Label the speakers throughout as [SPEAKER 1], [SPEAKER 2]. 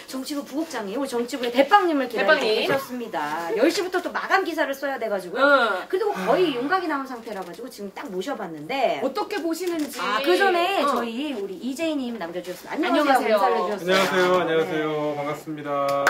[SPEAKER 1] 정치부 부국장님, 우리 정치부의 대빵님을 기다리고 계셨습니다. 10시부터 또 마감 기사를 써야 돼가지고요. 그리고 거의 윤곽이 나온 상태라 가지고 지금 딱 모셔봤는데
[SPEAKER 2] 어떻게 보시는지.
[SPEAKER 1] 그 전에 저희 우리 이재희님 남겨주셨습니다. 안녕하세요.
[SPEAKER 3] 안녕하세요. 반갑습니다.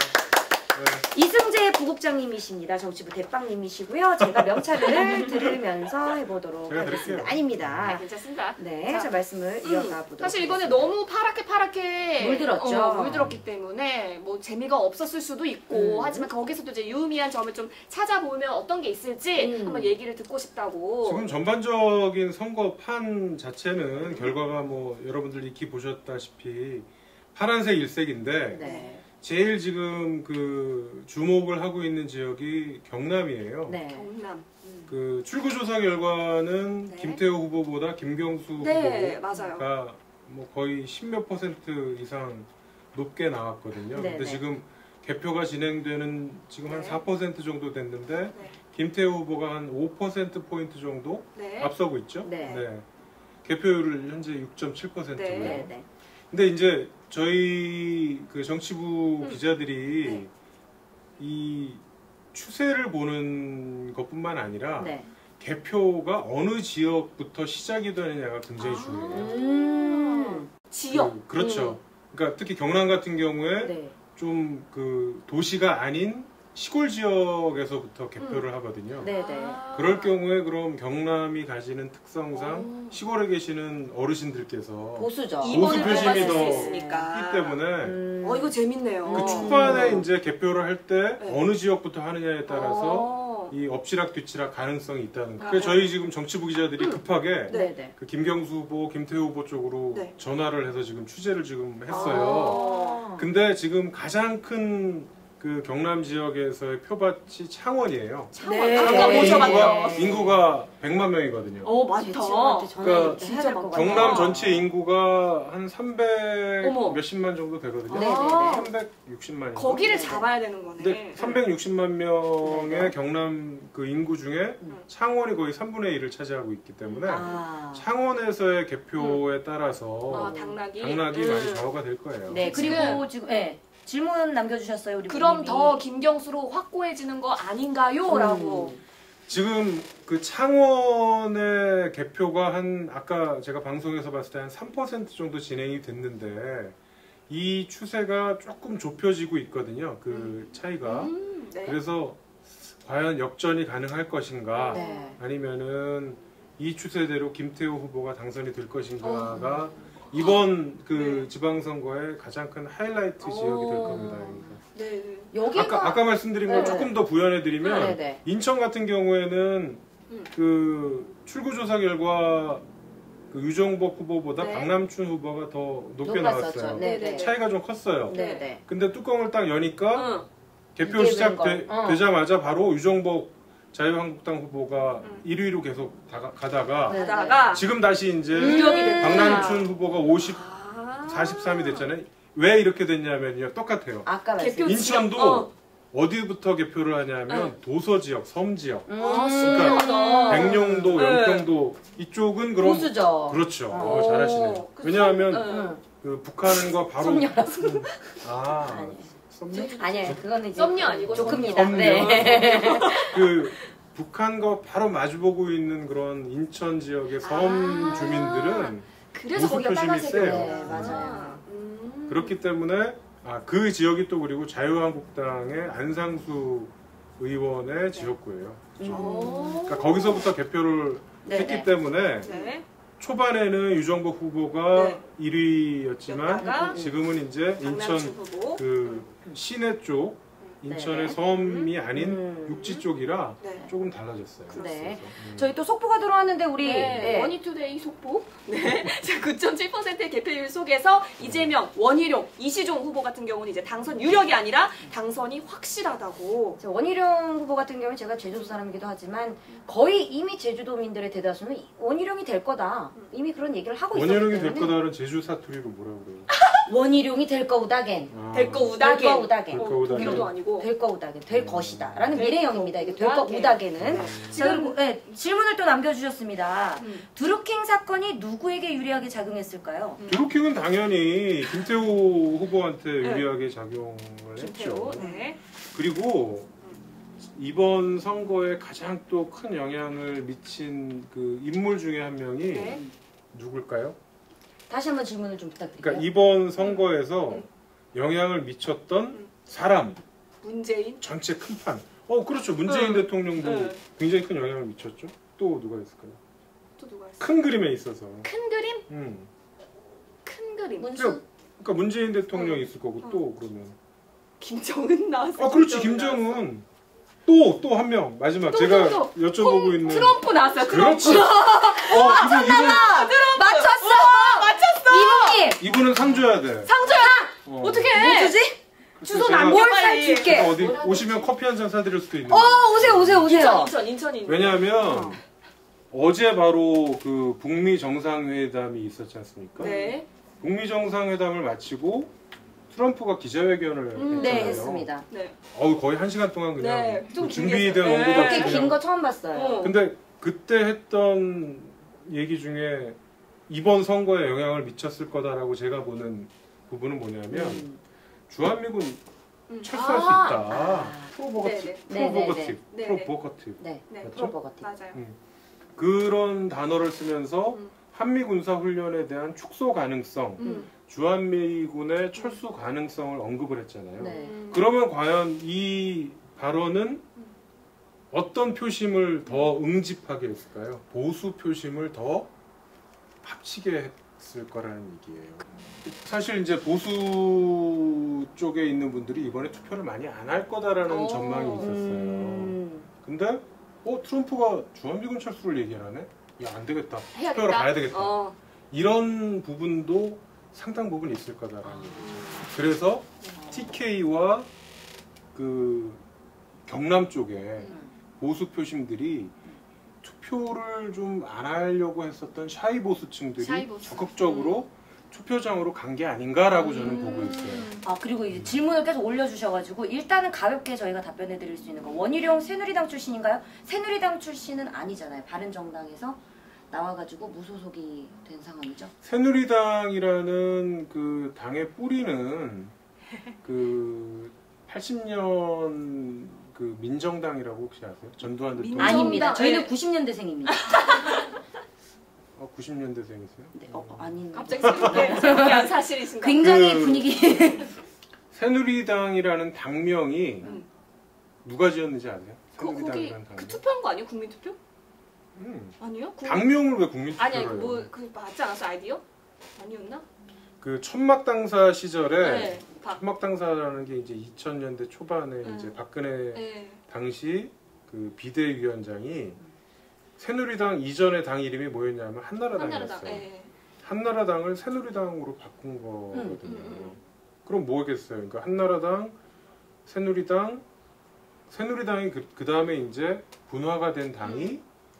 [SPEAKER 1] 이승재 부국장님이십니다. 정치부 대빵님이시고요. 제가 명찰을 들으면서 해보도록 하겠습니다. 아닙니다.
[SPEAKER 2] 괜찮습니다.
[SPEAKER 1] 네, 자 말씀을 이어가 보도록
[SPEAKER 2] 사실 이번에 너무 파랗게
[SPEAKER 1] 물들었죠.
[SPEAKER 2] 물들었기 때문에 뭐 재미가 없었을 수도 있고 하지만 거기서도 이제 유의미한 점을 좀 찾아보면 어떤 게 있을지 한번 얘기를 듣고 싶다고.
[SPEAKER 3] 지금 전반적인 선거판 자체는 결과가 뭐 여러분들 익히 보셨다시피 파란색 일색인데
[SPEAKER 1] 네.
[SPEAKER 3] 제일 지금 그 주목을 하고 있는 지역이 경남이에요.
[SPEAKER 1] 네.
[SPEAKER 2] 경남.
[SPEAKER 3] 그 출구조사 결과는
[SPEAKER 2] 네.
[SPEAKER 3] 김태호 후보보다 김경수
[SPEAKER 2] 네,
[SPEAKER 3] 후보가
[SPEAKER 2] 맞아요.
[SPEAKER 3] 뭐 거의 10몇 % 이상 높게 나왔거든요.
[SPEAKER 1] 네,
[SPEAKER 3] 근데
[SPEAKER 1] 네.
[SPEAKER 3] 지금 개표가 진행되는 지금 한 4% 정도 됐는데
[SPEAKER 2] 네.
[SPEAKER 3] 김태호 후보가 한 5%포인트 정도
[SPEAKER 2] 네.
[SPEAKER 3] 앞서고 있죠.
[SPEAKER 1] 네.
[SPEAKER 3] 개표율을 현재 6.7%고요.
[SPEAKER 1] 네, 네.
[SPEAKER 3] 근데 이제 저희 그 정치부 기자들이 이 추세를 보는 것뿐만 아니라
[SPEAKER 1] 네.
[SPEAKER 3] 개표가 어느 지역부터 시작이 되느냐가 굉장히 중요해요.
[SPEAKER 2] 지역.
[SPEAKER 3] 그렇죠. 그러니까 특히 경남 같은 경우에
[SPEAKER 1] 네.
[SPEAKER 3] 좀 그 도시가 아닌 시골 지역에서부터 개표를 하거든요.
[SPEAKER 1] 네, 네.
[SPEAKER 3] 그럴 경우에 그럼 경남이 가지는 특성상 시골에 계시는 어르신들께서
[SPEAKER 1] 보수죠.
[SPEAKER 3] 보수 표심이 더
[SPEAKER 2] 있으니까.
[SPEAKER 3] 있기 때문에
[SPEAKER 2] 이거 재밌네요.
[SPEAKER 3] 그 초반에 이제 개표를 할 때
[SPEAKER 2] 네.
[SPEAKER 3] 어느 지역부터 하느냐에 따라서 이 엎치락 뒤치락 가능성이 있다는 거예요. 그래서 저희 지금 정치부 기자들이 급하게
[SPEAKER 1] 네, 네.
[SPEAKER 3] 그 김경수 후보, 김태호 후보 쪽으로
[SPEAKER 2] 네.
[SPEAKER 3] 전화를 해서 지금 취재를 지금 했어요. 근데 지금 가장 큰 그 경남 지역에서의 표밭이 창원이에요.
[SPEAKER 1] 네.
[SPEAKER 2] 아까 모셔봤죠.
[SPEAKER 3] 인구가 100만 명이거든요.
[SPEAKER 2] 많다.
[SPEAKER 3] 그러니까
[SPEAKER 1] 진짜 많다.
[SPEAKER 3] 경남 전체 인구가 한 300
[SPEAKER 2] 어머.
[SPEAKER 3] 몇십만 정도 되거든요.
[SPEAKER 1] 네, 네, 네.
[SPEAKER 3] 360만인가?
[SPEAKER 2] 거기를 잡아야 되는 거네.
[SPEAKER 3] 근데 360만 명의 경남 그 인구 중에 창원이 거의 3분의 1을 차지하고 있기 때문에 창원에서의 개표에 따라서
[SPEAKER 2] 당락이
[SPEAKER 3] 많이 좌우가 될 거예요.
[SPEAKER 1] 네, 그리고 지금 질문 남겨주셨어요. 우리
[SPEAKER 2] 그럼
[SPEAKER 1] 부모님이.
[SPEAKER 2] 더 김경수로 확고해지는 거 아닌가요? 라고.
[SPEAKER 3] 지금 그 창원의 개표가 아까 제가 방송에서 봤을 때 한 3% 정도 진행이 됐는데 이 추세가 조금 좁혀지고 있거든요. 그 차이가.
[SPEAKER 2] 네.
[SPEAKER 3] 그래서 과연 역전이 가능할 것인가
[SPEAKER 1] 네.
[SPEAKER 3] 아니면은 이 추세대로 김태호 후보가 당선이 될 것인가가 이번 그 지방선거의 가장 큰 하이라이트 지역이 될 겁니다.
[SPEAKER 2] 네.
[SPEAKER 1] 여기가
[SPEAKER 3] 아까 말씀드린 걸 조금 더 부연해드리면
[SPEAKER 1] 네, 네.
[SPEAKER 3] 인천 같은 경우에는 그 출구조사 결과 그 유정복 후보보다
[SPEAKER 2] 네.
[SPEAKER 3] 박남춘 후보가 더 높게
[SPEAKER 1] 높았었죠.
[SPEAKER 3] 나왔어요.
[SPEAKER 1] 네, 네.
[SPEAKER 3] 차이가 좀 컸어요.
[SPEAKER 1] 네, 네.
[SPEAKER 3] 근데 뚜껑을 딱 여니까 개표
[SPEAKER 1] 이게
[SPEAKER 3] 시작되자마자 바로 유정복 자유한국당 후보가 1위로 계속 가다가
[SPEAKER 2] 하다가
[SPEAKER 3] 지금 다시 이제
[SPEAKER 2] 유력이
[SPEAKER 3] 박남춘 후보가 43이 됐잖아요. 왜 이렇게 됐냐면요. 똑같아요.
[SPEAKER 1] 아까
[SPEAKER 2] 개표
[SPEAKER 3] 인천도 어디부터 개표를 하냐면 도서 지역, 섬 지역.
[SPEAKER 2] 그러니까
[SPEAKER 3] 백령도, 영평도 이쪽은 그럼
[SPEAKER 1] 보수죠.
[SPEAKER 3] 그렇죠. 잘하시네요. 왜냐하면 그 북한과 바로
[SPEAKER 1] 아니에요. 그거는 이제
[SPEAKER 2] 썸녀 아니고
[SPEAKER 1] 조금입니다. 네.
[SPEAKER 3] 그 북한과 바로 마주보고 있는 그런 인천 지역의 섬 주민들은
[SPEAKER 2] 그래서
[SPEAKER 3] 보수
[SPEAKER 2] 거기가
[SPEAKER 3] 표심이
[SPEAKER 2] 빨간색이에요.
[SPEAKER 3] 세요.
[SPEAKER 1] 네, 맞아요.
[SPEAKER 3] 그렇기 때문에 그 지역이 또 그리고 자유한국당의 안상수 의원의 지역구예요. 그러니까 거기서부터 개표를 했기 때문에
[SPEAKER 2] 네.
[SPEAKER 3] 초반에는 유정복 후보가
[SPEAKER 2] 네.
[SPEAKER 3] 1위였지만
[SPEAKER 2] 였다가
[SPEAKER 3] 지금은 이제 인천
[SPEAKER 2] 후보.
[SPEAKER 3] 그 시내 쪽 인천의
[SPEAKER 1] 네.
[SPEAKER 3] 섬이 아닌 육지 쪽이라
[SPEAKER 2] 네.
[SPEAKER 3] 조금 달라졌어요.
[SPEAKER 1] 네. 저희 또 속보가 들어왔는데 우리
[SPEAKER 2] 원희투데이 속보. 네. 9.7%의 개표율 속에서 이재명, 원희룡, 이시종 후보 같은 경우는 이제 당선 유력이 아니라 당선이 확실하다고.
[SPEAKER 1] 원희룡 후보 같은 경우는 제가 제주도 사람이기도 하지만 거의 이미 제주도민들의 대다수는 원희룡이 될 거다. 이미 그런 얘기를 하고 있었기 때문에.
[SPEAKER 3] 원희룡이 될 거다는 제주 사투리로 뭐라고 그래요?
[SPEAKER 1] 원희룡이 될 거우다겐.
[SPEAKER 2] 될 거 우다겐.
[SPEAKER 1] 될 거 우다겐.
[SPEAKER 2] 독일어도 아니고. 고
[SPEAKER 1] 될 거우다게 될 것이다라는
[SPEAKER 2] 될
[SPEAKER 1] 미래형입니다. 이게 될
[SPEAKER 2] 거우다게.
[SPEAKER 1] 거우다게는
[SPEAKER 2] 네.
[SPEAKER 1] 자, 그리고 네, 질문을 또 남겨주셨습니다. 드루킹 사건이 누구에게 유리하게 작용했을까요?
[SPEAKER 3] 드루킹은 당연히 김태호 후보한테
[SPEAKER 2] 네.
[SPEAKER 3] 유리하게 작용을
[SPEAKER 2] 김태호.
[SPEAKER 3] 했죠.
[SPEAKER 2] 네.
[SPEAKER 3] 그리고 이번 선거에 가장 또 큰 영향을 미친 그 인물 중에 한 명이
[SPEAKER 2] 네.
[SPEAKER 3] 누굴까요?
[SPEAKER 1] 다시 한번 질문을 좀 부탁드릴게요.
[SPEAKER 3] 그러니까 이번 선거에서 영향을 미쳤던 사람
[SPEAKER 2] 문재인.
[SPEAKER 3] 전체 큰 판. 그렇죠. 문재인 대통령도
[SPEAKER 2] 네.
[SPEAKER 3] 굉장히 큰 영향을 미쳤죠. 또 누가 있을까요?
[SPEAKER 2] 또 누가 있어?
[SPEAKER 3] 큰 그림에 있어서.
[SPEAKER 2] 큰 그림?
[SPEAKER 3] 음.
[SPEAKER 2] 큰 그림.
[SPEAKER 1] 문수
[SPEAKER 3] 그러니까 문재인 대통령이 있을 거고 또 그러면.
[SPEAKER 2] 김정은 나왔어.
[SPEAKER 3] 그렇지. 김정은. 또 한 명. 마지막 제가 여쭤보고 있는.
[SPEAKER 2] 트럼프 나왔어요.
[SPEAKER 3] 그렇지.
[SPEAKER 2] 트럼프.
[SPEAKER 1] 맞췄어!
[SPEAKER 2] 맞췄어.
[SPEAKER 1] 이분님!
[SPEAKER 3] 이분은 상 줘야 돼.
[SPEAKER 2] 상 줘야. 어떻게?
[SPEAKER 1] 뭐 주지?
[SPEAKER 2] 주소
[SPEAKER 3] 제가-
[SPEAKER 2] 남겨
[SPEAKER 1] 뭘
[SPEAKER 2] 빨리.
[SPEAKER 1] 줄게.
[SPEAKER 3] 어디 오시면 커피 한 잔 사드릴 수도 있는데.
[SPEAKER 1] 오세요.
[SPEAKER 2] 인천이.
[SPEAKER 3] 왜냐하면 어제 바로 그 북미 정상회담이 있었지 않습니까?
[SPEAKER 2] 네.
[SPEAKER 3] 북미 정상회담을 마치고 트럼프가 기자회견을 했잖아요.
[SPEAKER 1] 네, 했습니다.
[SPEAKER 2] 네.
[SPEAKER 3] 거의 1시간 동안 그냥
[SPEAKER 2] 네, 좀
[SPEAKER 3] 그 준비된
[SPEAKER 2] 길게 했어요.
[SPEAKER 3] 원고
[SPEAKER 1] 그렇게
[SPEAKER 3] 같이
[SPEAKER 1] 긴
[SPEAKER 3] 그냥.
[SPEAKER 1] 거 처음 봤어요.
[SPEAKER 2] 어.
[SPEAKER 3] 근데 그때 했던 얘기 중에 이번 선거에 영향을 미쳤을 거다라고 제가 보는 부분은 뭐냐면 주한미군 철수할 수 있다. 프로보거티브.
[SPEAKER 2] 네네.
[SPEAKER 3] 프로보거티브.
[SPEAKER 2] 네네.
[SPEAKER 3] 프로보거티브.
[SPEAKER 1] 네,
[SPEAKER 2] 네.
[SPEAKER 1] 프로버거티.
[SPEAKER 2] 맞아요.
[SPEAKER 3] 그런 단어를 쓰면서
[SPEAKER 2] 음.
[SPEAKER 3] 한미 군사 훈련에 대한 축소 가능성, 주한미군의 철수 가능성을 언급을 했잖아요.
[SPEAKER 1] 네.
[SPEAKER 3] 그러면 과연 이 발언은 어떤 표심을 더 응집하게 했을까요? 보수 표심을 더 합치게 했을 거라는 얘기예요. 사실 이제 보수 쪽에 있는 분들이 이번에 투표를 많이 안 할 거다라는 전망이 있었어요. 근데 트럼프가 주한미군 철수를 얘기하네? 야, 안 되겠다. 투표하러 가야 되겠다. 이런 부분도 상당 부분 있을 거다라는 얘기죠. 그래서 TK와 그 경남 쪽에 보수 표심들이 투표를 좀 안 하려고 했었던 샤이 보수층들이 적극적으로 투표장으로 간 게 아닌가라고 저는 보고 있어요.
[SPEAKER 1] 그리고 이제 질문을 계속 올려주셔가지고 일단은 가볍게 저희가 답변해드릴 수 있는 거. 원희룡 새누리당 출신인가요? 새누리당 출신은 아니잖아요. 바른정당에서 나와가지고 무소속이 된 상황이죠.
[SPEAKER 3] 새누리당이라는 그 당의 뿌리는 그 80년 그 민정당이라고 혹시 아세요? 전두환 대통령.
[SPEAKER 1] 아닙니다. 저희는
[SPEAKER 2] 네.
[SPEAKER 1] 90년대생입니다.
[SPEAKER 3] 90년대생이세요?
[SPEAKER 1] 네, 아닌.
[SPEAKER 2] 갑자기 새로운 사실이신가?
[SPEAKER 1] 굉장히
[SPEAKER 3] 그-
[SPEAKER 1] 분위기.
[SPEAKER 3] 새누리당이라는 당명이 누가 지었는지 아세요?
[SPEAKER 2] 거기
[SPEAKER 3] 새누리당이라는 당명.
[SPEAKER 2] 그 투표한 거 아니에요? 국민투표? 아니요?
[SPEAKER 3] 당명을 왜 국민투표를
[SPEAKER 2] 아니
[SPEAKER 3] 해요?
[SPEAKER 2] 그 맞지 않았어 아이디어? 아니었나?
[SPEAKER 3] 그 천막당사 시절에
[SPEAKER 2] 네.
[SPEAKER 3] 천막당사라는 게 이제 2000년대 초반에 이제 박근혜
[SPEAKER 2] 네.
[SPEAKER 3] 당시 그 비대위원장이 새누리당 이전의 당 이름이 뭐였냐면 한나라당이었어요.
[SPEAKER 2] 네.
[SPEAKER 3] 한나라당을 새누리당으로 바꾼 거거든요. 그럼 뭐겠어요? 그러니까 한나라당, 새누리당이 그 다음에 이제 분화가 된 당이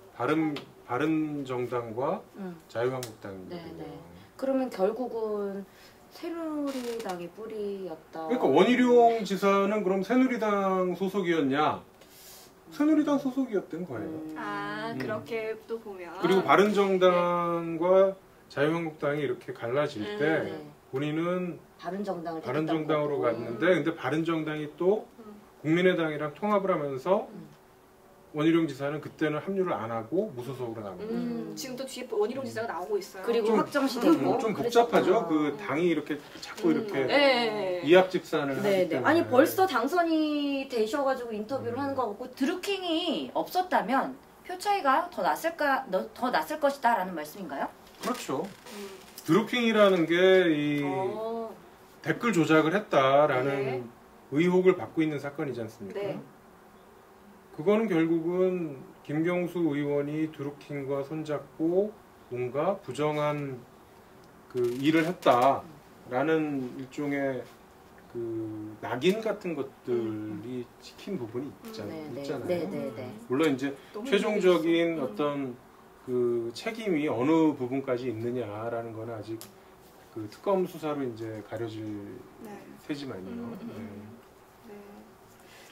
[SPEAKER 3] 바른정당과 자유한국당이거든요.
[SPEAKER 1] 네, 네. 그러면 결국은 새누리당이 뿌리였다.
[SPEAKER 3] 그러니까 원희룡 지사는 그럼 새누리당 소속이었냐? 새누리당 소속이었던 거예요.
[SPEAKER 2] 그렇게 또 보면
[SPEAKER 3] 그리고 바른정당과 자유한국당이 이렇게 갈라질 때
[SPEAKER 1] 네.
[SPEAKER 3] 본인은
[SPEAKER 1] 바른정당을
[SPEAKER 3] 바른정당으로
[SPEAKER 1] 택했던 거고.
[SPEAKER 3] 갔는데 근데 바른정당이 또 국민의당이랑 통합을 하면서 원희룡 지사는 그때는 합류를 안 하고 무소속으로 남은
[SPEAKER 2] 지금 또 뒤에 원희룡 지사가 나오고 있어요.
[SPEAKER 1] 그리고
[SPEAKER 3] 좀-
[SPEAKER 1] 확정시 됐고.
[SPEAKER 3] 좀 복잡하죠.
[SPEAKER 1] 그랬었구나.
[SPEAKER 3] 그 당이 이렇게 자꾸 이렇게
[SPEAKER 2] 네.
[SPEAKER 3] 이합집산을 하기
[SPEAKER 1] 네,
[SPEAKER 3] 때문에.
[SPEAKER 1] 네. 아니 벌써 당선이 되셔가지고 인터뷰를 하는 거 같고 드루킹이 없었다면 표 차이가 더 났을 것이다라는 말씀인가요?
[SPEAKER 3] 그렇죠. 드루킹이라는 게 이 댓글 조작을 했다라는
[SPEAKER 2] 네.
[SPEAKER 3] 의혹을 받고 있는 사건이지 않습니까?
[SPEAKER 2] 네.
[SPEAKER 3] 그거는 결국은 김경수 의원이 드루킹과 손잡고 뭔가 부정한 그 일을 했다라는 일종의 그 낙인 같은 것들이 찍힌 부분이 있잖아요.
[SPEAKER 1] 네.
[SPEAKER 3] 물론 이제
[SPEAKER 2] 너무
[SPEAKER 3] 최종적인 어떤 그 책임이 어느 부분까지 있느냐라는 거는 아직 그 특검 수사로 이제 가려질
[SPEAKER 2] 네.
[SPEAKER 3] 테지만요.
[SPEAKER 2] 네.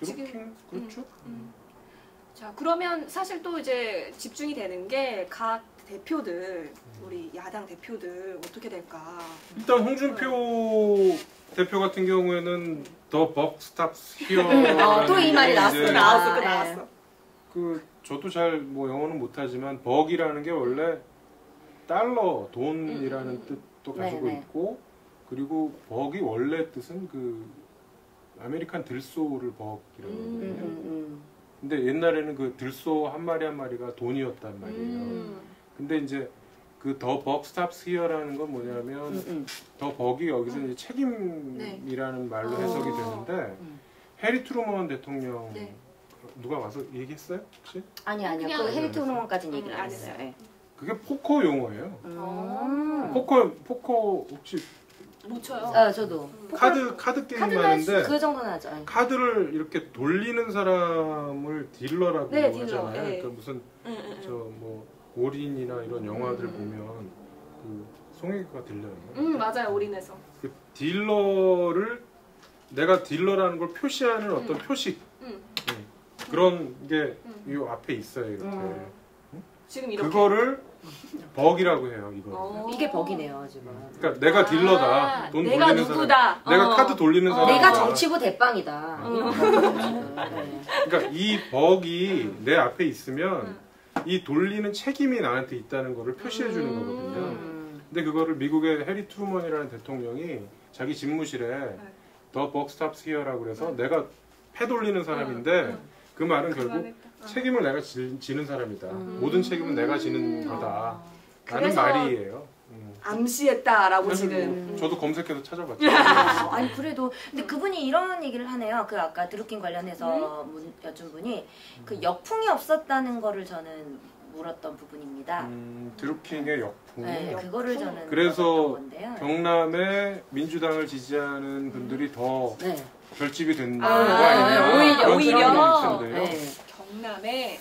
[SPEAKER 3] 드루킹 그렇죠.
[SPEAKER 2] 자, 그러면 사실 또 이제 집중이 되는 게 각 대표들, 우리 야당 대표들 어떻게 될까?
[SPEAKER 3] 일단 홍준표 대표 같은 경우에는 더 벅 스탑스 히어.
[SPEAKER 1] 또 이 말이 나왔구나.
[SPEAKER 2] 나왔어.
[SPEAKER 3] 저도 잘 뭐 영어는 못하지만 벅이라는 게 원래 달러 돈이라는 뜻도 가지고
[SPEAKER 1] 네네.
[SPEAKER 3] 있고 그리고 벅이 원래 뜻은 그 아메리칸 들소를 벅이라고 하거든요. 근데 옛날에는 그 들소 한 마리 한 마리가 돈이었단 말이에요. 근데 이제 그 더 벅 스탑스 히어라는 건 뭐냐면 더 벅이 여기서 이제 책임이라는 말로 해석이 되는데 해리 트루먼 대통령
[SPEAKER 2] 네.
[SPEAKER 3] 누가 와서 얘기했어요 혹시?
[SPEAKER 1] 아니요.
[SPEAKER 2] 그냥-
[SPEAKER 1] 그 헤리트 호르몬까지는 얘기를 안
[SPEAKER 2] 안
[SPEAKER 1] 했어요.
[SPEAKER 2] 했어요.
[SPEAKER 1] 예.
[SPEAKER 3] 그게 포커 용어예요. 포커 혹시
[SPEAKER 2] 못 쳐요.
[SPEAKER 1] 저도.
[SPEAKER 3] 카드 게임
[SPEAKER 1] 카드는
[SPEAKER 3] 하는데
[SPEAKER 1] 그 정도는 하죠. 예.
[SPEAKER 3] 카드를 이렇게 돌리는 사람을 딜러라고
[SPEAKER 2] 네, 딜러.
[SPEAKER 3] 하잖아요.
[SPEAKER 2] 네.
[SPEAKER 3] 그러니까 무슨 저 뭐 올인이나 이런 영화들 보면 그 송혜교가 딜러예요.
[SPEAKER 2] 맞아요. 올인해서.
[SPEAKER 3] 그 딜러를 내가 딜러라는 걸 표시하는 어떤 표식 그런 게 이 앞에 있어요. 이렇게
[SPEAKER 2] 지금 이렇게.
[SPEAKER 3] 그거를 벅이라고 해요. 이거.
[SPEAKER 1] 이게 벅이네요 지금.
[SPEAKER 3] 그러니까 내가 딜러다. 돈
[SPEAKER 2] 내가
[SPEAKER 3] 돌리는
[SPEAKER 2] 누구다.
[SPEAKER 3] 사람. 내가 카드 돌리는 사람.
[SPEAKER 1] 내가 정치부 대빵이다. 이런 거죠, 지금. 네.
[SPEAKER 3] 그러니까 이 벅이 내 앞에 있으면 이 돌리는 책임이 나한테 있다는 거를 표시해 주는 거거든요. 근데 그거를 미국의 해리 트루먼이라는 대통령이 자기 집무실에 더 벅 스탑스 히어라고 그래서 내가 패 돌리는 사람인데 그 말은 결국 책임을 내가 지는 사람이다. 모든 책임은 내가 지는 거다. 라는
[SPEAKER 2] 그래서
[SPEAKER 3] 말이에요.
[SPEAKER 2] 암시했다라고
[SPEAKER 3] 그래서
[SPEAKER 2] 지금.
[SPEAKER 3] 뭐 저도 검색해서 찾아봤죠.
[SPEAKER 1] 아니 그래도 근데 그분이 이런 얘기를 하네요. 그 아까 드루킹 관련해서 여쭌 분이 그 역풍이 없었다는 거를 저는 물었던 부분입니다.
[SPEAKER 3] 드루킹의 역풍.
[SPEAKER 1] 네, 그거를 저는
[SPEAKER 3] 그래서
[SPEAKER 1] 물어봤던 건데요.
[SPEAKER 3] 경남에 민주당을 지지하는 분들이 더
[SPEAKER 1] 네.
[SPEAKER 3] 결집이 된다는 거
[SPEAKER 1] 아,
[SPEAKER 3] 아니냐. 그런
[SPEAKER 2] 오히려.
[SPEAKER 3] 생각이 있던데요.
[SPEAKER 1] 네.
[SPEAKER 2] 경남에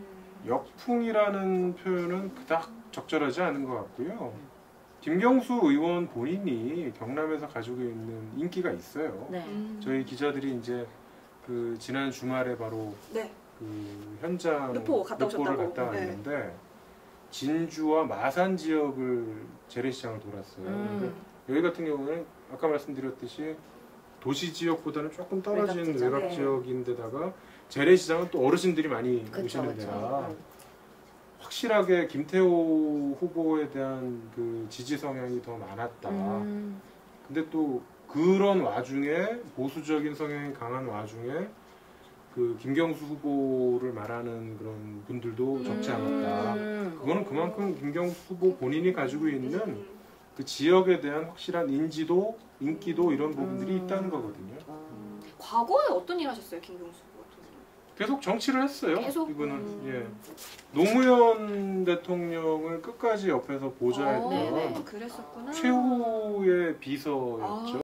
[SPEAKER 3] 역풍이라는 표현은 그닥 적절하지 않은 것 같고요. 김경수 의원 본인이 경남에서 가지고 있는 인기가 있어요.
[SPEAKER 1] 네.
[SPEAKER 3] 저희 기자들이 이제 그 지난 주말에 바로
[SPEAKER 2] 네.
[SPEAKER 3] 그 현장
[SPEAKER 2] 르포 갔다
[SPEAKER 3] 르포를
[SPEAKER 2] 오셨다고.
[SPEAKER 3] 갔다 왔는데 진주와 마산 지역을 재래시장을 돌았어요. 근데 여기 같은 경우는 아까 말씀드렸듯이 도시 지역보다는 조금 떨어진
[SPEAKER 1] 외곽지죠.
[SPEAKER 3] 외곽
[SPEAKER 1] 네.
[SPEAKER 3] 지역인데다가 재래시장은 또 어르신들이 많이
[SPEAKER 1] 그쵸,
[SPEAKER 3] 오시는
[SPEAKER 1] 그쵸.
[SPEAKER 3] 데라 확실하게 김태호 후보에 대한 그 지지 성향이 더 많았다. 근데 또 그런 와중에 보수적인 성향이 강한 와중에 그 김경수 후보를 말하는 그런 분들도 적지 않았다. 그거는 그만큼 김경수 후보 본인이 가지고 있는 그 지역에 대한 확실한 인지도, 인기도 이런 부분들이 있다는 거거든요.
[SPEAKER 2] 과거에 어떤 일 하셨어요, 김경수 후보 같은 경우는?
[SPEAKER 3] 계속 정치를 했어요.
[SPEAKER 2] 계속?
[SPEAKER 3] 이분은 예. 노무현 대통령을 끝까지 옆에서 보좌했던
[SPEAKER 2] 네네. 그랬었구나.
[SPEAKER 3] 최후의 비서였죠.